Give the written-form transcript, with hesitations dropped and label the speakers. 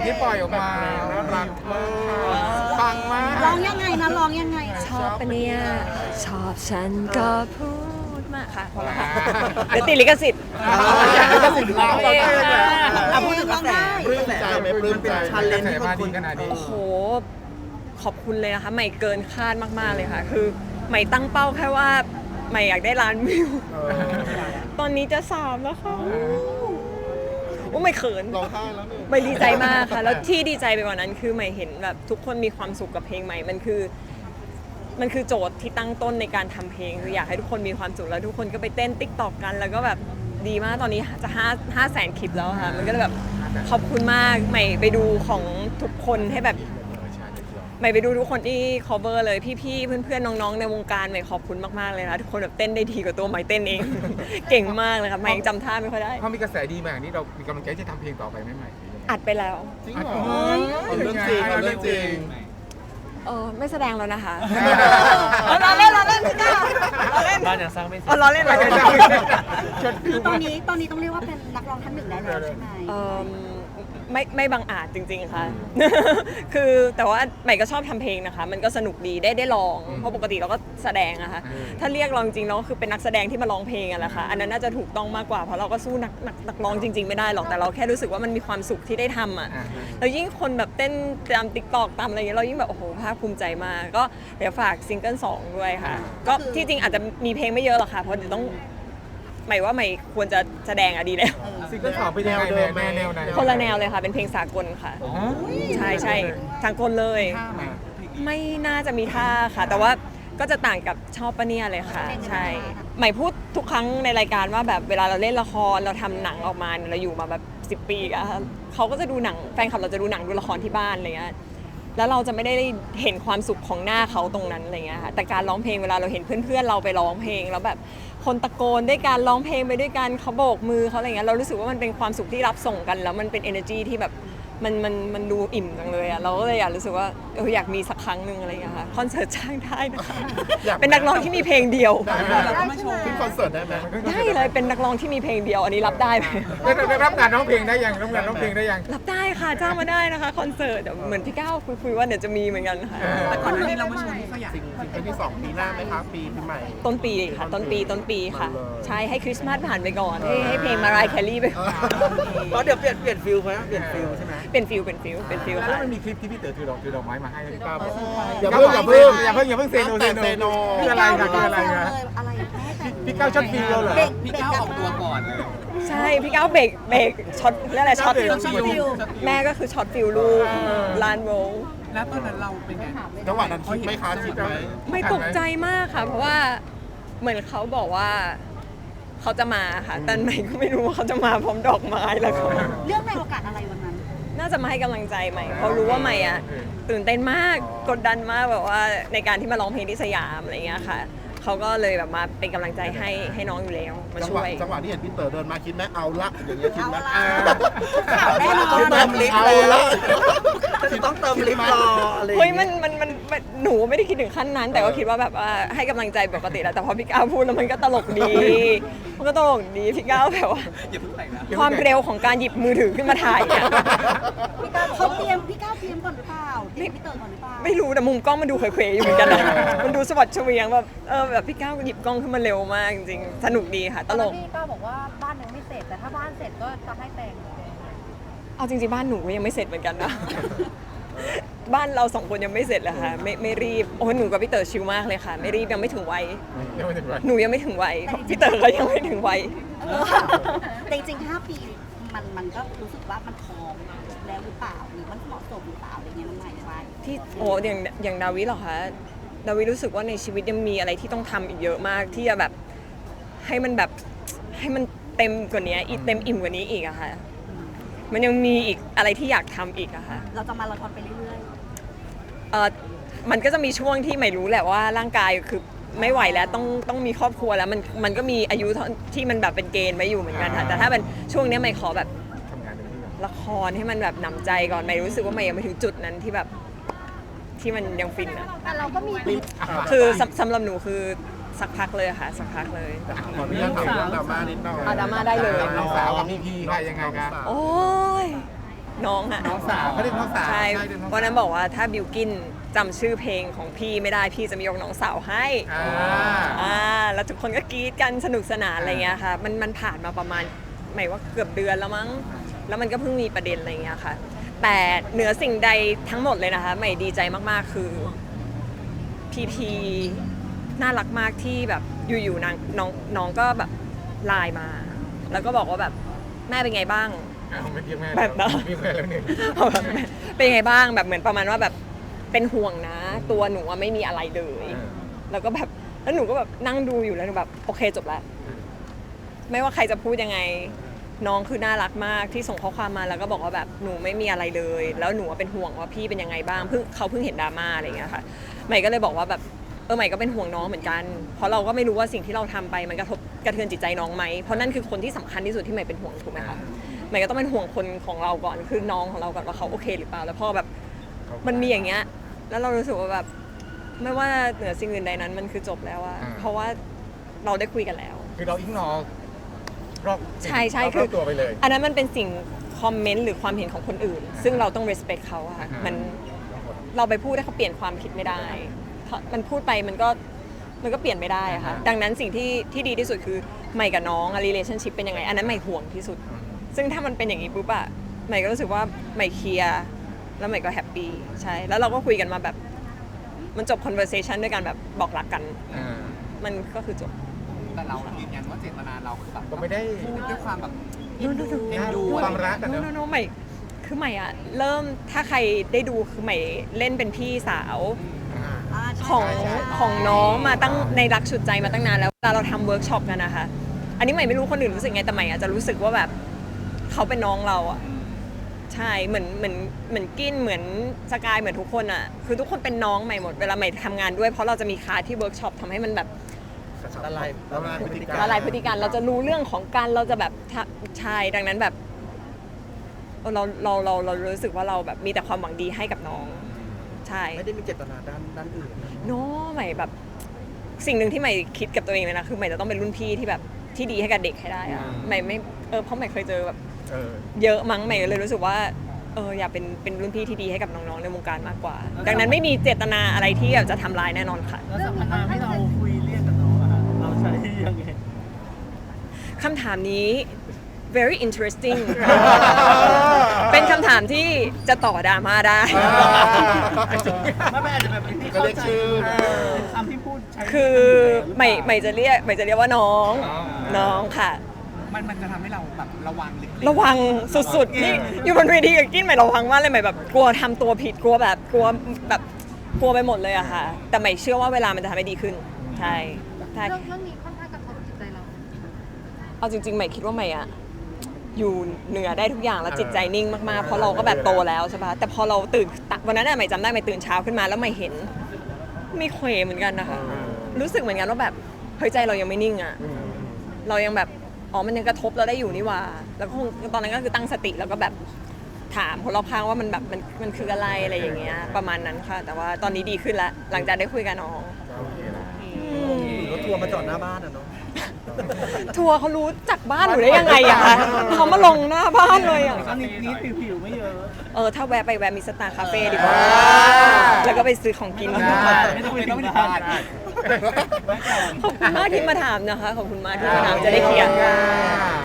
Speaker 1: ที่ปล่อยออกมาน่ารักมากปังมาก
Speaker 2: ร้องยังไงนะร้องยังไงนะ
Speaker 3: ชอบปะเนี่ยชอบฉันก็พูดมาค่ะพอแล้วค่ะเดี๋ยวติดลิขสิทธิ์
Speaker 1: อยากให้จะสินเรา
Speaker 3: เองค่ะ
Speaker 2: พูดถึงกระแส
Speaker 1: ปลื้มใจไหมปลื้มใจ
Speaker 4: ชันเลนที่คน
Speaker 1: ขนาดนี้
Speaker 3: โอ้โหขอบคุณเลยนะคะใหม่เกินคาดมากๆเลยค่ะ คือใหม่ตั้งเป้าแค่ว่าใหม่อยากได้ล้านวิวตอนนี้จะ3แล้วค่ะโอ้ไม่เขิน
Speaker 1: ร้องไห้แล้วเนี่ย
Speaker 3: ไม่ดีใจมากค่ะ แล้วที่ดีใจไปกว่านั้นคือใหม่เห็นแบบทุกคนมีความสุขกับเพลงใหม่มันคือโจทย์ที่ตั้งต้นในการทำเพลงคืออยากให้ทุกคนมีความสุขแล้วทุกคนก็ไปเต้นติ๊กตอกกัน แล้วก็แบบดีมากตอนนี้จะ5 แสนคลิปแล้วค่ะมันก็เลยแบบขอบคุณมากใหม่ไปดูของทุกคนให้แบบใหม่ไปดูทุกคนที่ cover เลยพี่ๆเพื่อนๆน้องๆในวงการใหม่ขอบคุณมากๆเลยนะทุกคนแบบเต้นได้ดีกว่าตัวใหม่เต้นเอง เก่งมากเลยค่ะใหม่ยังจำท่าไม่ค่อยได้
Speaker 1: พอมีกระแสดีมาอย่างนี้เรามีกำลังใจที่จะทำเพลงต่อไปไหมใหม่
Speaker 3: อัดไปแล้ว
Speaker 1: จริงเหรอเอาเรื่องจริงเอาเรื่องจริง
Speaker 3: ไม่แสดงแล้วนะคะ
Speaker 2: เราเล่นพี่ก้าว
Speaker 4: บ้านยังสร้างไม่เสร็จ
Speaker 3: ล้อเล่น
Speaker 1: ไม่
Speaker 3: ล้อ
Speaker 1: ใช่
Speaker 3: เล่น
Speaker 2: คือตอนนี้ต้องเรียกว่าเป็นนักร้องท่านหนึ่งได้แล้วใช่ไหม
Speaker 3: ไม่บังอาจจริงๆค่ะ คือแต่ว่าใหม่ก็ชอบทำเพลงนะคะ มันก็สนุกดีได้ลอง เพราะปกติเราก็แสดงอะค่ะ ถ้าเรียกร้องจริงเราก็คือเป็นนักแสดงที่มาร้องเพลงอะแหละค่ะ อันนั้นน่าจะถูกต้องมากกว่า เพราะเราก็สู้นักร้องจริงๆไม่ได้หรอก แต่เราแค่รู้สึกว่ามันมีความสุขที่ได้ทำอะแล้วยิ่งคนแบบเต้นตามติ๊กตอกตามอะไรอย่างเงี้ยเรายิ่งแบบโอ้โหภาคภูมิใจมาก ก็เดี๋ยวฝากซิงเกิล2ด้วยค่ะ ก็ที่จริงอาจจะมีเพลงไม่เยอะหรอกค่ะ เพราะเดี๋ยวต้องหมายว่าใหม่ควรจะแสดงอะดีแล้ว
Speaker 1: ซิงเกิลสองเป็นยังไงแนวไหน
Speaker 3: คนละแนวเลยค่ะ เป็นเพลงสากลค่ะ ใช่ใช่สากลเลย ไม่น่าจะมีท่าค่ะ แต่ว่าก็จะต่างกับชอบปะเนี่ยเลยค่ะ ใช่ใหม่พูดทุกครั้งในรายการว่าแบบเวลาเราเล่นละครเราทำหนังออกมาเนี่ยเราอยู่มาแบบ10 ปีอะเขาก็จะดูหนังแฟนคลับเราจะดูหนังดูละครที่บ้านอะไรเงี้ยแล้วเราจะไม่ได้เห็นความสุขของหน้าเขาตรงนั้นอะไรเงี้ยค่ะแต่การร้องเพลงเวลาเราเห็นเพื่อนๆเราไปร้องเพลงแล้วแบบคนตะโกนด้วยการร้องเพลงไปด้วยกันเขาโบกมือเขาอะไรเงี้ยเรารู้สึกว่ามันเป็นความสุขที่รับส่งกันแล้วมันเป็น energy ที่แบบมันดูอิ่มจังเลยอะเราก็เลยอยากรู้สึกว่าอยากมีสักครั้งหนึ่งอะไรอย่างเงี้ยค่ะคอนเสิร์ตจ้างได้นะคะเป็นนักร้องที่มีเพลงเดียว
Speaker 1: ขึ้นคอนเสิร์ตได้ไหม
Speaker 3: ได้เลยเป็นนักร้องที่มีเพลงเดียวอันนี้รับได้ไหม
Speaker 1: ได้รับงานร้องเพลงได้ยังรับงานร้องเพลงได้ยัง
Speaker 3: รับได้ค่ะจ้างมาได้นะคะคอนเสิร์ตเดี๋ยวเหมือนพี่ก้าวคุยว่าเดี๋ยวจะมีเหมือนกันค่ะ
Speaker 4: แต่ก่อนหน้านี้เราไม่ชวนที่เขาอยาก
Speaker 1: ซิงเกิลที่2ปีหน้าไหมคะปีใหม่
Speaker 3: ต้นปีค่ะต้นปีค่ะ ใช่ให้คริสต์มาสผ่านไปก่อนให้เพลงมารายแคลรี่ไปก่อน
Speaker 4: เพราะเดี๋ยวเปลี่ยนฟิลไหมเปลี่ยนฟิลใช่ไหม
Speaker 3: เป็นฟิล
Speaker 1: แล้ว
Speaker 3: ค่ะ
Speaker 1: มันมีคลิปที่พี่เต๋อถือดอกไม้มาให้พี่ก้าวบอก
Speaker 4: อย่า
Speaker 1: เพิ่งเซโน
Speaker 2: พี่
Speaker 1: อะไร
Speaker 2: ก้าว
Speaker 1: นะคืออะไรนะ
Speaker 2: อะไรแม่แต่
Speaker 1: พี่ก้าวช็อตฟิลเราเหรอ
Speaker 4: พี่ก้าวออกตัวก่อนเลย
Speaker 3: ใช่พี่ก้าวเบรกช็อตเรียกอะไรช็อต
Speaker 1: ช็อตฟิล
Speaker 3: แม่ก็คือช็อตฟิลลูกลานโวล
Speaker 4: แล้วตอนนั้นเราเป็นไง
Speaker 1: จังหวะนั้นคิดไหมคะคิดไหม
Speaker 3: ไม่ตกใจมากค่ะ เพราะว่าเหมือนเขาบอกว่าเขาจะมาค่ะ แต่ใหม่ก็ไม่รู้ว่าเขาจะมาพร้อมดอกไม้แล้วก็
Speaker 2: เรื่องในโอกาสอะไรวันนั้น
Speaker 3: น่าจะมาให้กำลังใจใหม่เพราะรู้ว่าใหม่อ่ะตื่นเต้นมากกดดันมากแบบว่าในการที่มาร้องเพลงที่สยามอะไรเงี้ยค่ะเขาก็เลยแบบมาเป็นกำลังใจให้น้องอยู่แล้วมาช่วย
Speaker 1: จังหวะที่เห็นพี่เต๋อเดินมาคิดไหมเอาละอย่างเงี้ยคิดไหม
Speaker 2: ข่าวแน่นอน
Speaker 4: ต้องเติมลิฟต์
Speaker 1: เอา
Speaker 4: เลย
Speaker 1: ละ
Speaker 4: ต้องเติมลิฟต์รออะไร
Speaker 3: เฮ้ยมันหนูไม่ได้คิดถึงขั้นนั้น แต่ก็คิดว่าแบบว่าให้กำลังใจปกติแหละแต่พอพี่ก้าวพูดแล้วมันก็ตลกดีมันก็ตลกดีพี่ก้าวแบบว่า
Speaker 4: อย่าเพิ่งไปนะ
Speaker 3: ความเร็วของการหยิบมือถือขึ้นมาถ่ายเนี่ย
Speaker 2: พี่ก้าวเขาเตรียมพี่ก้าวเตรียมก่อนหรือเปล่าเตรียมพี่เต๋อก่อนหรือเปล่า
Speaker 3: ไม่รู้แต่มุมกล้องมันดูเขวๆอยู่เหมือนกันนะมันดูสวัสดิ์เฉวียงแบบแบบพี่ก้าวหยิบกล้องขึ้นมาเร็วมากจริงๆสนุกดีค่ะตลก
Speaker 5: พี่ก้าวบอกว่าบ้านยังไม่เสร็จแต่ถ้าบ้านเสร็จก็จะให้แต่ง
Speaker 3: เอาจริงๆบ้านหนูก็ยังไม่เสร็จเหมือนกันนะ บ้านเราสองคนยังไม่เสร็จเลยค่ะไม่รีบโอ้หนูกับพี่เต๋อชิลมากเลยค่ะ ไม่รีบยังไม่ถึงวัยหนูยังไม่ถึงวัยพี่เต๋อก็ยังไม่ถึงวัย
Speaker 2: แต่จริงๆ5 ปีมันก็รู้สึกว่ามันพร้อมแล้วหรือเปล่าหรือมันเหมาะสมหรือเปล่าอะไรเงี้ยมันหมายว่า
Speaker 3: ที่โอ้อย่างดาวิเหรอคะดาวิรู้สึกว่าในชีวิตยังมีอะไรที่ต้องทำอีกเยอะมากที่จะแบบให้มันแบบให้มันเต็มกว่านี้อีกเต็มอิ่มกว่านี้อีกอะค่ะมันยังมีอีกอะไรที่อยากทำอีกอะค่ะ
Speaker 2: เราจะมาราธอนไปเรื่อย
Speaker 3: มันก็จะมีช่วงที่ไม่รู้แหละว่าร่างกายคือไม่ไหวแล้วต้องมีครอบครัวแล้วมันก็มีอายุที่มันแบบเป็นเกณฑ์ไว้อยู่เหมือนกันค่ะแต่ถ้าเป็นช่วงนี้ไม่ขอแบบ
Speaker 1: ทำงานเต็มที่ก่อน
Speaker 3: ละครให้มันแบบหนำใจก่อนไม่รู้สึกว่าไม่ยังไม่ถึงจุดนั้นที่แบบที่มันยังฟินอะ
Speaker 5: แต่เราก็มี
Speaker 3: คือสำหรับหนูคือสักพักเลยค่ะสักพักเลย
Speaker 1: ขออนุญาตถามเรื่องดราม่านิดหน่อย
Speaker 3: ดราม่าได้เลย
Speaker 1: น้องสาวกับพี่พีค่ะยังไงคะ
Speaker 3: โอ้ยน้องอะ
Speaker 1: น้องสาวเขาเรียกน้องสาว
Speaker 3: ใช่
Speaker 1: เรียกองสาว
Speaker 3: วันนั้นบอกว่าถ้าบิวกินจำชื่อเพลงของพี่ไม่ได้พี่จะมียกน้องสาวให้ แล้วทุกคนก็กรี๊ดกันสนุกสนานอะไรเงี้ยค่ะมันผ่านมาประมาณหมายว่าเกือบเดือนแล้วมั้งแล้วมันก็เพิ่งมีประเด็นอะไรเงี้ยค่ะแต่เหนือสิ่งใดทั้งหมดเลยนะคะใหม่ดีใจมากๆคือพีน่ารักมากที่แบบอยู่ๆน้องก็แบบไลน์มา แล้วก็บอกว่าแบบแม่เป็นไงบ้าง
Speaker 1: ไม่เรียกแม่
Speaker 3: แบบนั้น
Speaker 1: เรียกแม่แล้วหนึ่ง
Speaker 3: เป็นไงบ้างแบบเหมือนประมาณว่าแบบเป็นห่วงนะ ตัวหนูอะไม่มีอะไรเลย แล้วก็แบบแล้วหนูก็แบบนั่งดูอยู่แล้วหนูแบบโอเคจบแล้วไม่ว่าใครจะพูดยังไงน้องคือน่ารักมากที่ส่งข้อความมาแล้วก็บอกว่าแบบหนูไม่มีอะไรเลย แล้วหนูเป็นห่วงว่าพี่เป็นยังไงบ้างเขาเพิ่งเห็นดราม่าอะไรอย่างเงี้ยค่ะใหม่ก็เลยบอกว่าแบบใหม่ก็เป็นห่วงน้องเหมือนกันเพราะเราก็ไม่รู้ว่าสิ่งที่เราทำไปมันกระทบกระเทือนจิตใจน้องไหมเพราะนั่นคือคนที่สำคัญที่สุดที่ใหม่เป็นห่วงถูกไหมคะใหม่ก็ต้องเป็นห่วงคนของเราก่อนคือน้องของเราก่อนว่าเขาโอเคหรือเปล่าแล้วพอแบบมันมีอย่างเงี้ยแล้วเรารู้สึกว่าแบบไม่ว่าเหนือสิ่งอื่นใดนั้นมันคือจบแล้วอะเพราะว่าเราได้คุยกันแล้ว
Speaker 1: คือเราอิกนอรอบ
Speaker 3: ใช่คือ
Speaker 1: รอบตัวไปเลย
Speaker 3: อันนั้นมันเป็นสิ่งคอมเมนต์หรือความเห็นของคนอื่น ซึ่งเราต้อง respect เขาอะค่ะมันเราไปพูดให้เขาเปลี่ยนความคิดไม่ได้เพราะมันพูดไปมันก็เปลี่ยนไม่ได้อะค่ะดังนั้นสิ่งที่ดีที่สุดคือใหม่กับน้องอะ relationship เป็นยังไงอันนั้นใหม่ห่วงที่สุด ซึ่งถ้ามันเป็นอย่างนี้ปุ๊บอะใหม่ก็รู้สึกว่าใหม่เคลียร์แล้วใหม่ก็แฮปปี้ใช่แล้วเราก็คุยกันมาแบบมันจบ conversation ด้วยกันแบบบอกรักกัน มันก็คือจบ
Speaker 4: แต่เรายืนยันว่าเจตนาเราคือแบบ
Speaker 1: ก็ไม่ได้
Speaker 4: พูดด้วยความแบบ
Speaker 3: เอ็นดู
Speaker 4: เอ็นดู
Speaker 1: ความรักกันเนอะ
Speaker 3: โน้ใหม่คือใหม่อะเริ่มถ้าใครได้ดูคือใหม่เล่นเป็นพี่สาวของน้องมาตั้งในรักฉุดใจมาตั้งนานแล้วเวลาเราทำเวิร์กช็อปกันนะคะอันนี้ใหม่ไม่รู้คนอื่นรู้สึกไงแต่ใหม่อาจจะรู้สึกว่าแบบเขาเป็นน้องเราอะใช่เหมือนกินเหมือนสกายเหมือนทุกคนอะคือทุกคนเป็นน้องใหม่หมดเวลาใหม่ทำงานด้วยเพราะเราจะมีคลาสที่เวิร์กช็อปทำให้มันแบบ
Speaker 1: ละลายพฤติกรรม
Speaker 3: ละลายพฤติกรรมเราจะรู้เรื่องของการเราจะแบบใช่ดังนั้นแบบเรารู้สึกว่าเราแบบมีแต่ความหวังดีให้กับน้องใช่
Speaker 4: ไม่ได้มีเจตนาด้านอื่น
Speaker 3: โน้ใหม่แบบสิ่งหนึ่งที่ใหม่คิดกับตัวเองเลยนะคือใหม่จะต้องเป็นรุ่นพี่ที่แบบที่ดีให้กับเด็กให้ได้อะใหม่ไม่เพราะใหม่เคยเจอแบบเยอะมั้งใหม่เลยรู้สึกว่าอยากเป็นรุ่นพี่ที่ดีให้กับน้องๆในวงการมากกว่า ดังนั้นไม่มีเจตนาอะไรที่แบบจะทำร้ายแน่นอนค่ะ
Speaker 4: แล้วสัมมนาที่เราคุยเรียกกับน้องอะเราใช้ยังไง
Speaker 3: คำถามนี้ very interesting เป็นคำถามที่จะต่อดราม่าได้
Speaker 4: ไม่อาจจะแบบที่
Speaker 1: ก็
Speaker 4: เข้า
Speaker 1: เรียก
Speaker 4: ใจ
Speaker 1: ชื่อ
Speaker 4: คำที่พูดใช้
Speaker 3: คือใหม่จะเรียกว่าน้องค่ะ
Speaker 4: มันจะทำให้เราแบบระวังลึก
Speaker 3: ระวังสุดๆนี่อยู่บนเวทีกับกิ้นใหม่ระวังมากเลยใหม่แบบกลัวทำตัวผิดกลัวไปหมดเลยอะค่ะ แต่ใหม่เชื่อว่าเวลามันจะทำให้ดีขึ้นใช่ใช่
Speaker 5: เรื่องนี้ค่อนข้างกระทบจิตใจเรา
Speaker 3: เอาจริงๆใหม่คิดว่าใหม่อะอยู่เหนือได้ทุกอย่างแล้วจิตใจนิ่งมากๆเพราะเราก็แบบโตแล้วใช่ปะแต่พอเราตื่นวันนั้นอะใหม่จำได้ใหม่ตื่นเช้าขึ้นมาแล้วใหม่เห็นมีเขวเหมือนกันนะคะรู้สึกเหมือนกันว่าแบบเฮ้ยใจเรายังไม่นิ่งอะเรายังแบบมันยังกระทบเราได้อยู่นี่หว่าแล้วก็คงตอนนั้นก็คือตั้งสติแล้วก็แบบถามคนรอบข้างว่ามันแบบมันคืออะไรอะไรอย่างเงี้ยประมาณนั้นค่ะ แต่ว่าตอนนี้ดีขึ้นแล้วหลังจากได้คุยกับน้อง
Speaker 4: รถทัวร์มาจอดหน้าบ้านอะเนาะ
Speaker 3: ทัวร์เขารู้จักบ้านหนูได้ยังไงอะคะเขามาลงหน้าบ้านเลยอะ
Speaker 4: ก็นิดผิวไม่เยอะ
Speaker 3: ถ้าแวะไปแวะมิสตาร์คาเฟ่ดีกว่าแล้วก็ไปซื้อของกิน
Speaker 4: ไม่ต้องไปที่บ้าน
Speaker 3: ขอบคุณมากที่มาถามนะคะขอบคุณมากที่มาถามจะได้เคลียร์